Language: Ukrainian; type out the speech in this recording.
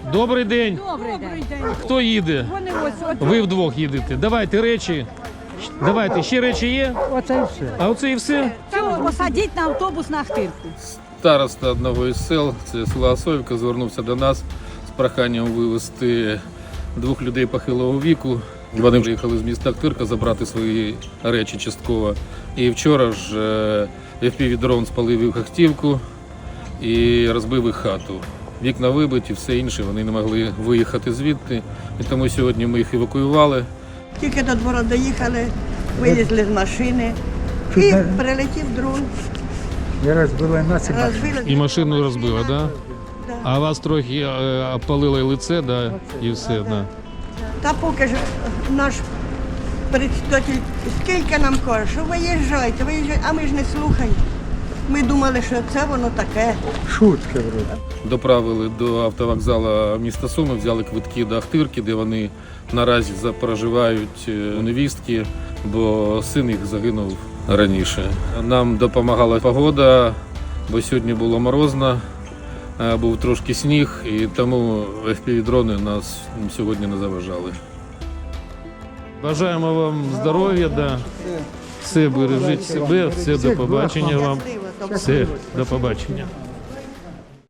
Добрий день. Добрий день. Хто їде? Вони ось. Ви вдвох їдете. Давайте речі. Давайте, ще речі є? Оце і все. А оце і все? Цього посадіть на автобус на Ахтирку. Староста одного із сел, це село Осоївка, звернувся до нас з проханням вивезти 2 людей похилого віку. Вони приїхали з міста Ахтирка забрати свої речі частково. І вчора ж FPV-дрон спалив їх автівку і розбив їх хату. Вікна вибиті, все інше, вони не могли виїхати звідти. І тому сьогодні ми їх евакуювали. Тільки до двору доїхали, вилізли з машини і прилетів дрон. Я розбила націю. Розбили. І машину розбила, так? Да? Да. А вас трохи опалило і лице, да? І все, да. Та поки ж наш председатель скільки нам каже, що виїжджайте, а ми ж не слухаємо. Ми думали, що це воно таке. Шутки вроде. Доправили до автовокзалу міста Суми, взяли квитки до Ахтирки, де вони наразі проживають у невістки, бо син їх загинув раніше. Нам допомагала погода, бо сьогодні було морозно, був трошки сніг, і тому FPV-дрони нас сьогодні не заважали. Бажаємо вам здоров'я, да. Все, бережіть себе, все, до побачення вам. Щасливо, до Все, до побачення.